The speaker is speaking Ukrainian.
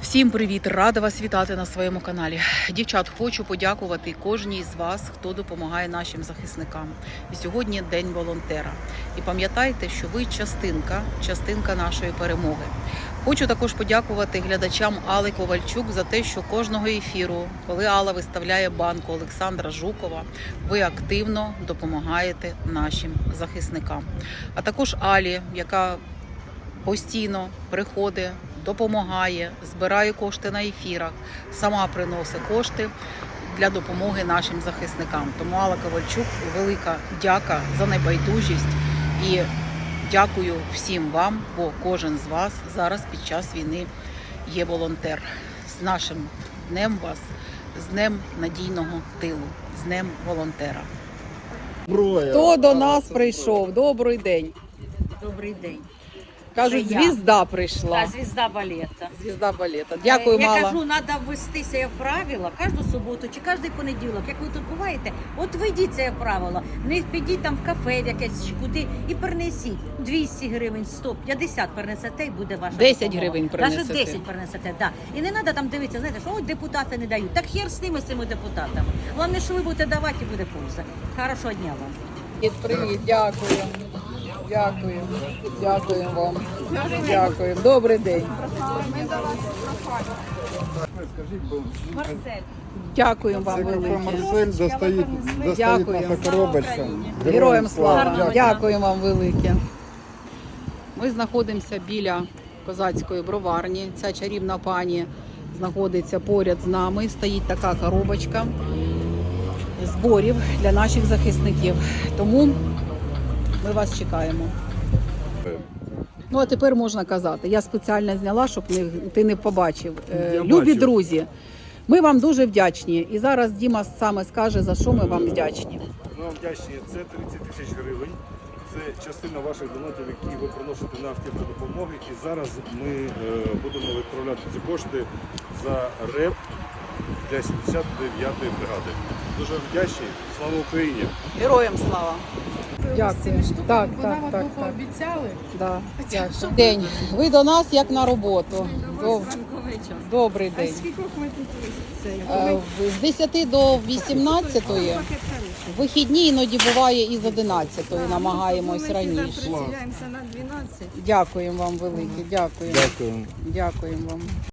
Всім привіт! Рада вас вітати на своєму каналі. Дівчат, хочу подякувати кожній з вас, хто допомагає нашим захисникам. І сьогодні День волонтера. І пам'ятайте, що ви частинка нашої перемоги. Хочу також подякувати глядачам Алли Ковальчук за те, що кожного ефіру, коли Алла виставляє банку Олександра Жукова, ви активно допомагаєте нашим захисникам. А також Алі, яка постійно приходить, допомагає, збирає кошти на ефірах, сама приносить кошти для допомоги нашим захисникам. Тому Алла Ковальчук, велика дяка за небайдужість і дякую всім вам, бо кожен з вас зараз під час війни є волонтер. З нашим днем вас, з Днем надійного тилу, з Днем волонтера. Хто до нас прийшов? Добрий день. Добрий день. Кажуть, звізда прийшла. Так, звізда балета. Звізда балета. Дякую, Я Мала. кажу, треба ввестися в правила кожну суботу чи кожен понеділок. Як ви тут буваєте, от введіть це правило. Не підіть там в кафе якесь чи куди і принесіть. 200 гривень, 150 перенесете і буде ваша 10 допомога. гривень принесете. Навіть 10 перенесете, так. І не треба там дивитися, знаєте, що ой, депутати не дають. Так хер з ними, з цими депутатами. Головне, що ви будете давати і буде польза. Хорошого дня вам. Привіт, дякую. Дякую. Дякую вам. Дякую. Добрий день. Дякую вам велике. Марсель достает Дякую. наша коробочка. Героям слава. Дякую вам велике. Ми знаходимося біля козацької броварні. Ця чарівна пані знаходиться поряд з нами. Стоїть така коробочка зборів для наших захисників. Тому ми вас чекаємо. Ну, а тепер можна казати. Я спеціально зняла, щоб ти не побачив. Любі друзі, ми вам дуже вдячні. І зараз Діма саме скаже, за що ми вам вдячні. Ми вам вдячні. Це 30 тисяч гривень. Це частина ваших донатів, які ви приносите на автівку допомоги. І зараз ми будемо відправляти ці кошти за РЕП для 79-ї бригади. Дуже вдячні. Слава Україні! Героям слава! Дякую. Так. Обіцяли. Да. Дякую. День. Ви до нас як на роботу. Добрий день. Скільки ми тут З 10 до 18, вихідні іноді буває і з 11, намагаємось раніше. приділяємося на 12. Дякуємо вам велике, дякую. Дякую. Дякуємо вам.